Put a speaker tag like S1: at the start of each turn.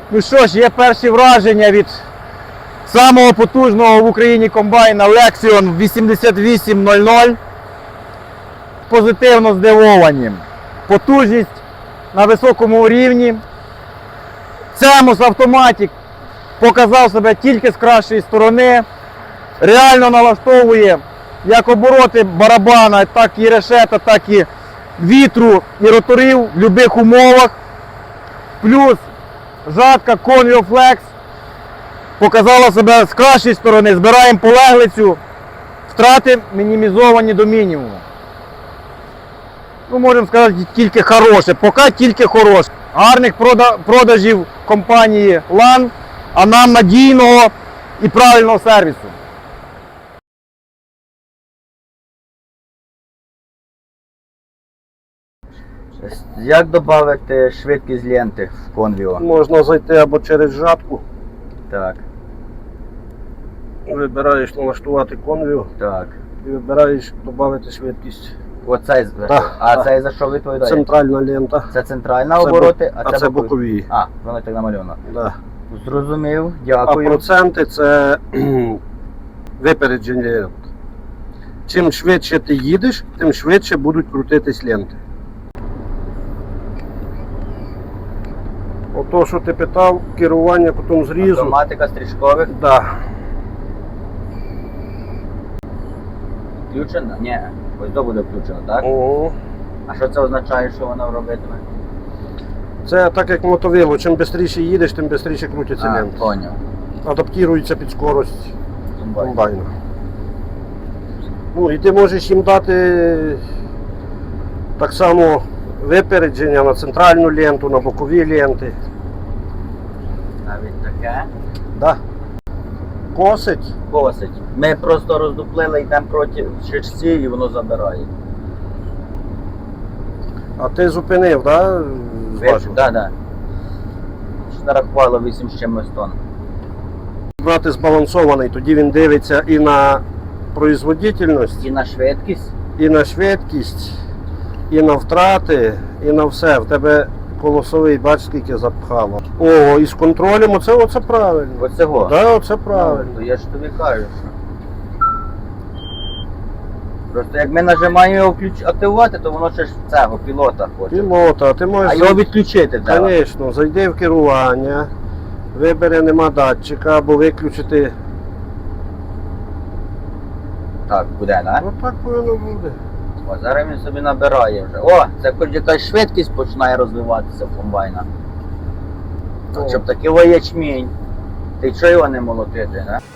S1: Ну що ж, є перші враження від самого потужного в Україні комбайна Lexion 8800. Позитивно здивовані. Потужність на високому рівні. Цемус Автоматік показав себе тільки з кращої сторони. Реально налаштовує як обороти барабана, так і решета, так і вітру і роторів в будь-яких умовах. Плюс жатка Convio Flex показала себе з кращої сторони. Збираємо полеглицю, втрати мінімізовані до мінімуму. Ну, можемо сказати, тільки хороше, поки тільки хороше. Гарних продажів компанії LAN, а нам надійного і правильного сервісу.
S2: Як додати швидкість ленти в Convio?
S3: Можна зайти або через жатку.
S2: Так,
S3: Вибираєш налаштувати Convio
S2: так.
S3: і вибираєш додати швидкість.
S2: Оцей,
S3: Так,
S2: а
S3: так.
S2: цей за що відповідає?
S3: Центральна лента.
S2: Це центральна
S3: Це
S2: обороти,
S3: а це бокові.
S2: А, воно так намальовано.
S3: Да.
S2: Зрозумів,
S3: А
S2: дякую.
S3: проценти це випередження лент. Чим швидше ти їдеш, тим швидше будуть крутитись ленти. Ото, що ти питав, керування потім зрізу.
S2: Автоматика стрічкових
S3: Да.
S2: включена? Ні, ось то буде включено, так?
S3: О,
S2: А що це означає, що воно робитиме?
S3: це так як мотовило, чим швидше їдеш, тим швидше крутяться
S2: А,
S3: ленти.
S2: поняв.
S3: Адаптується під скорость
S2: Комбайн.
S3: комбайна. Ну і ти можеш їм дати так само випередження на центральну ленту, на бокові ленти.
S2: Навіть таке.
S3: Да. Косить.
S2: Косить. Ми просто роздуплили, йдемо проти шишці і воно забирає.
S3: А ти зупинив, да? Зважив?
S2: Так, так. Нарахувало 8 з чимось тонн.
S3: Брати збалансований, тоді він дивиться і на производительність,
S2: І на швидкість.
S3: і на швидкість, і на втрати, і на все. В тебе колосовий, бач, скільки запхало. О, і з контролем, оце правильно.
S2: Оцього.
S3: Да, оце правильно.
S2: Ну, я ж тобі кажу, що. Просто як ми нажимаємо його активувати, то воно ще ж цього пілота хоче.
S3: Пілота, а ти
S2: А
S3: можеш,
S2: його відключити треба.
S3: звісно, зайди в керування, вибери нема датчика, або виключити.
S2: Так, буде, так?
S3: Ну так повинно буде.
S2: О, зараз він собі набирає вже. О, це хоч якась швидкість починає розвиватися в комбайна.
S3: О.
S2: Щоб такий ячмінь. Ти чого його не молотити, не?